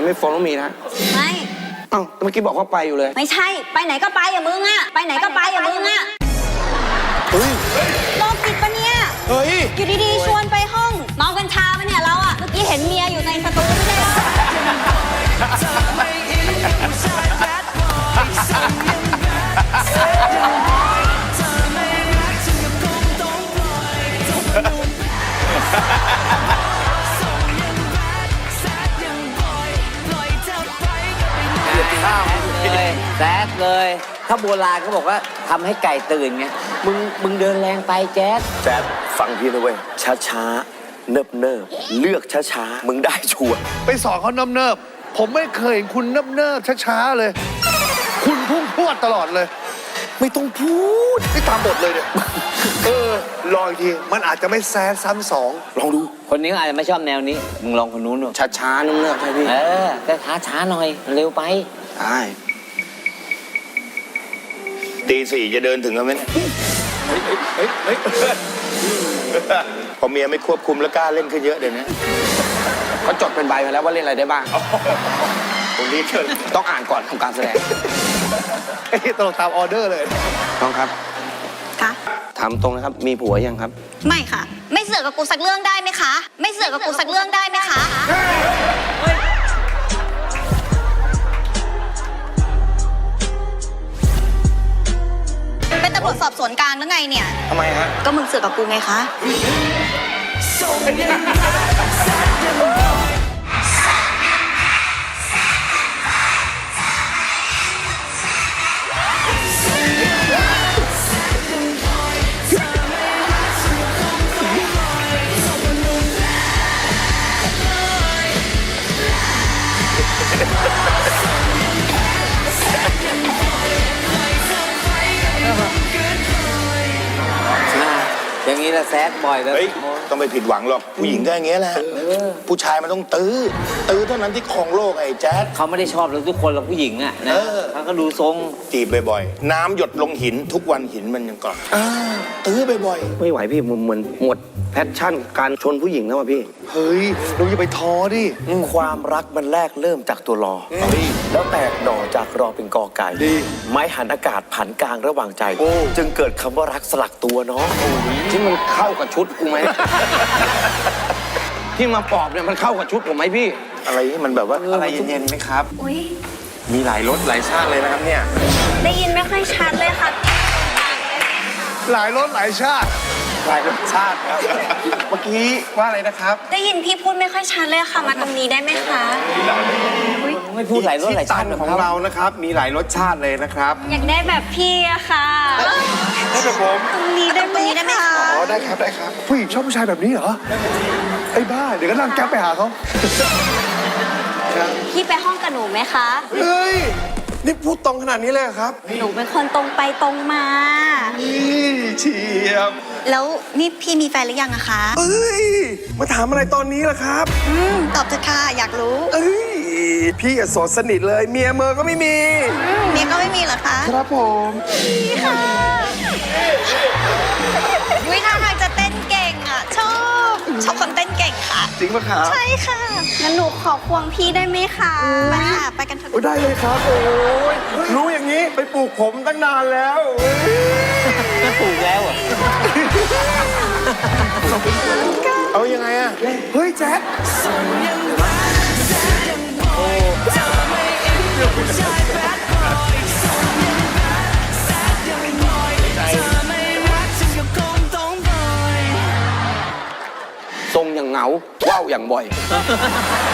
ไม่ฟ้องน้องมีนะไม่เอ้าเมื่อกี้บอกว่าไปอยู่เลยไม่ใช่ไปไหนก็ไปอย่ามึงอะไปไหนก็ไปอย่ามึงอะเฮ้ยโรคจิตปะเนี่ยเฮ้ยอยู่ดีๆชวนไปห้องเมากัญชาปะเนี่ยเราอะเมื่อกี้เห็นเมียอยู่ในสตูไม่ใช่เหรอเลยแซดเลยถ้าโบราณเขาบอกว่าทำให้ไก่ตื่นไงมึงเดินแรงไปแจ๊ดแจ๊ดฟังพี่นะเว้ยช้าเนิบเลือกช้ามึงได้ชัวร์ไปสอนเขาเนิบผมไม่เคยเห็นคุณเนิบช้าเลย คุณพุ่งพรวดตลอดเลย ไม่ต้องพูดไม่ตามบทเลยเนี่ยลองอีกทีมันอาจจะไม่แซดซ้ำสองลองดูคนนี้อาจจะไม่ชอบแนวนี้มึงลองคนนู้นดูช้าๆนุ่มๆใช่พี่แต่ช้าหน่อยเร็วไปใช่ตี 4จะเดินถึงกันไหมเนี่ยพอเมียไม่ควบคุมแล้วกล้าเล่นขึ้นเยอะเดี๋ยวนี้เขาจดเป็นใบมาแล้วว่าเล่นอะไรได้บ้างคนนี้เกินต้องอ่านก่อนทำการแสดงตลกตามออเดอร์เลยน้องครับค่ะถามตรงนะครับมีผัวยังครับไม่ค่ะไม่เสือกกับกูสักเรื่องได้ไหมคะไม่เสือกกับกูสักเรื่องได้ไหมคะเป็นตำรวจสอบสวนกลางหรือไงเนี่ยทำไมฮะก็มึงเสือกกับกูไงคะอย่างนี้ละแซดบ่อยเลยต้องไปผิดหวังหรอกผู้หญิงก็อย่างเงี้ยแหละผู้ชายมันต้องตื้อเท่านั้นที่ครองโลกไอ้แจ๊ดเขาไม่ได้ชอบเราทุกคนเราผู้หญิงอ่ะนะเขาก็ดูทรงจีบบ่อยๆน้ำหยดลงหินทุกวันหินมันยังกร่อนตื้อบ่อยๆไม่ไหวพี่เหมือนหมดแพชชั่นการชนผู้หญิงแล้วว่ะพี่เฮ้ยเราอย่าไปท้อดิความรักมันแรกเริ่มจากตัวรอแล้วแตกหน่อจากรอเป็นกอไก่ไม้หันอากาศผันกลางระหว่างใจจึงเกิดคำว่ารักสลักตัวเนาะที่มันเข้ากับชุดกูไหม ที่มาปอบเนี่ยมันเข้ากับชุดผมไหมพี่อะไรที่มันแบบว่าอะไรเย็นๆไหมครับมีหลายรสหลายชาติเลยนะครับเนี่ยได้ยินไม่ค่อยชัดเลยค่ะหลายรสหลายชาติหลายรสชาติครับเมื่อกี้ว่าอะไรนะครับได้ยินพี่พูดไม่ค่อยชัดเลยค่ะมาตรงนี้ได้ไหมคะไม่พูดหลายรสหลายชาติของเรานะครับมีหลายรสชาติเลยนะครับอยากได้แบบพี่อะค่ะได้แบบผมตรงนี้ได้ไหมคะอ๋อได้ครับผู้หญิงชอบผู้ชายแบบนี้เหรอไอ้บ้าเดี๋ยวก็นั่งแก๊ปไปหาเขาพี่ไปห้องกับหนูไหมคะเฮ้ยนี่พูดตรงขนาดนี้เลยครับหนูเป็นคนตรงไปตรงมาเฉียบแล้วนี่พี่มีแฟนหรือยังอะคะเอ้ยมาถามอะไรตอนนี้ล่ะครับตอบเถอะค่ะอยากรู้พี่โสดสนิทเลยเมียเมอก็ไม่มีเมียก็ไม่มีเหรอคะครับผมพี่ค่ะวิธีทางจะเต้นเก่งอะชอบคนเต้นเก่งค่ะจริงปะครับใช่ค่ะงั้นหนูขอควงพี่ได้ไหมคะไปค่ะไปกันเถอะได้เลยครับโอ้ยรู้อย่างนี้ไปปลูกผมตั้งนานแล้วจะปลูกแล้วอ่ะเอายังไงอ่ะเฮ้ยแจ๊คทรงอย่างเหงาว่าวอย่างบ่อย